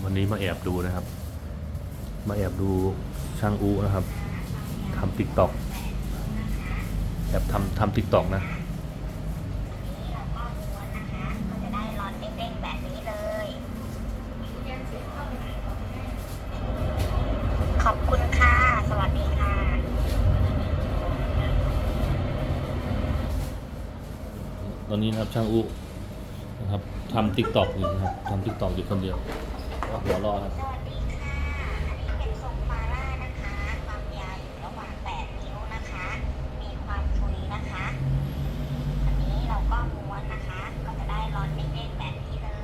วันนี้มาแอบดูนะครับ มาแอบดูช่างอูนะครับทำติ๊กต็อกแอบทำติ๊กต็อกนะขอบคุณค่ะ สวัสดีค่ะตอนนี้นะครับช่างอูนะครับทำติ๊กต็อกอยู่นะครับทำติ๊กต็อกอยู่คนเดียวหัวรอครับสวัสดีค่ะ อันนี้เป็นทรงฟาร่านะคะ ความยาวอยู่ระหว่าง8 นิ้วนะคะ มีความฟุยนะคะ อันนี้เราก็ม้วนนะคะ ก็จะได้ร้อนเด้งๆแบบนี้เลย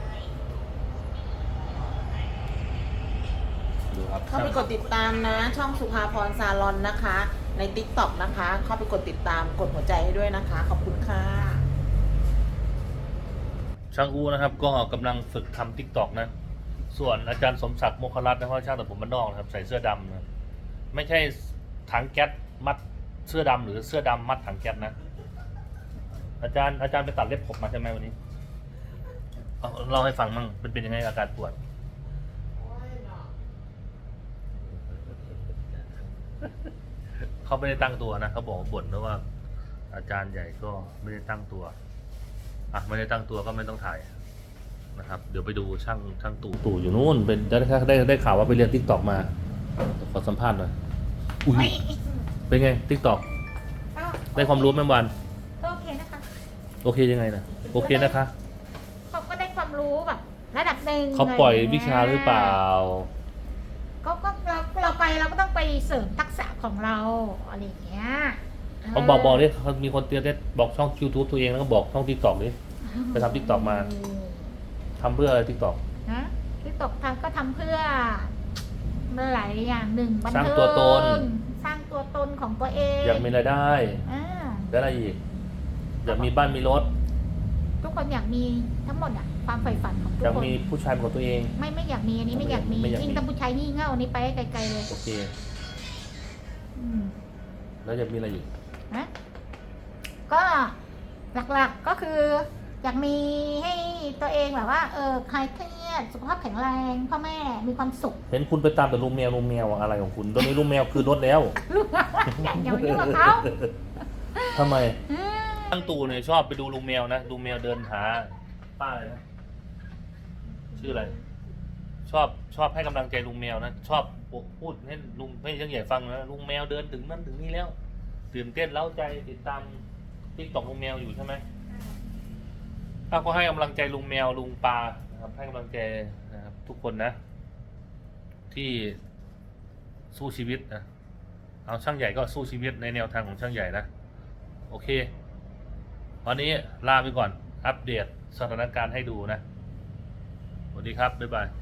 ดูครับเข้าไปกดติดตามนะช่องสุภาพรซาลอนนะคะใน TikTok นะคะ เข้าไปกดติดตามกดหัวใจให้ด้วยนะคะ ขอบคุณค่ะช่างอูนะครับก็กำลังฝึกทำติ๊กต็อกนะส่วนอาจารย์สมศักดิ์โมคครัตน์นะครับช่างตัดผมบ้านนอกนะครับใส่เสื้อดำนะไม่ใช่ถังแก๊สมัดเสื้อดำหรือเสื้อดำมัดถังแก๊สนะอาจารย์ไปตัดเล็บผมมาใช่ไหมวันนี้เอาเล่าให้ฟังมั่งเป็นยังไงอาการปวดเขาไม่ได้ตั้งตัวนะเขาบอกบ่นนะว่าอาจารย์ใหญ่ก็ไม่ได้ตั้งตัวไม่ได้ตั้งตัวก็ไม่ต้องถ่ายนะครับเดี๋ยวไปดูช่างตู่อยู่นู่นเป็นได้ข่าวว่าไปเรียนติ๊กต็อกมาขอสัมภาษณ์หน่อยอุ้ยเป็นไงติ๊กต็อกได้ความรู้ไหมวันโอเคนะคะโอเคยังไงนะโอเคนะคะเขาก็ได้ความรู้แบบระดับหนึ่งเขาปล่อยวิชาหรือเปล่าก็เราไปเราก็ต้องไปเสริมทักษะของเราอะไรอย่างเงี้ยเขาบอกดิเขามีคนเตือนได้บอกช่อง YouTube ตัวเองแล้วก็บอกช่องติ๊กต็อกดิไปทำติ๊กต็อกมาทำเพื่ออะไรติ๊กต็อกนะที่ตกทำก็ทำเพื่อหลายอย่างหนึ่งบันสร้างเทิงตัวตนสร้างตัวตนของตัวเองอยากมีรายได้อ่าแล้วอะไรอีกอยากมีบ้านมีรถทุกคนอยากมีทั้งหมดอ่ะความใฝ่ฝันของทุอก ยากคนมีผู้ชายเป็นของตัวเองไม่อยากมีอันนี้ไม่อยากมีไม่อยากมียิ่งถ้าผู้ชายงี่เง่าอันนี้ไปให้ไกลๆเลยโอเคอืมแล้วจะมีอะไรอีกนะก็หลักๆก็คืออยากมีให้ตัวเองแบบว่าคลายเครียดสุขภาพแข็งแรงพ่อแม่มีความสุขเห็นคุณไปตามแต่ลุงแมวอะไรของคุณตอนนี้ลุงแมวคือรถแล้วลูกอย่ามายุ่งกับเขาทำไมอืมตั้งตู่เนี่ยชอบไปดูลุงแมวนะลุงแมวเดินหาป้าเลยนะชื่ออะไรชอบให้กำลังใจลุงแมวนะชอบพูดให้ลุงให้ช่างใหญ่ฟังนะลุงแมวเดินถึงนั่นถึงนี่แล้วตื่นเต้นเล้าใจติดตามติ๊กต็อกลุงแมวอยู่ใช่ไหมก็ให้กำลังใจลุงแมวลุงปลานะครับให้กำลังใจนะครับทุกคนนะ ที่สู้ชีวิตนะเอาช่างใหญ่ก็สู้ชีวิตในแนวทางของช่างใหญ่นะโอเควันนี้ลาไปก่อนอัปเดตสถานการณ์ให้ดูนะสวัสดีครับบ๊ายบาย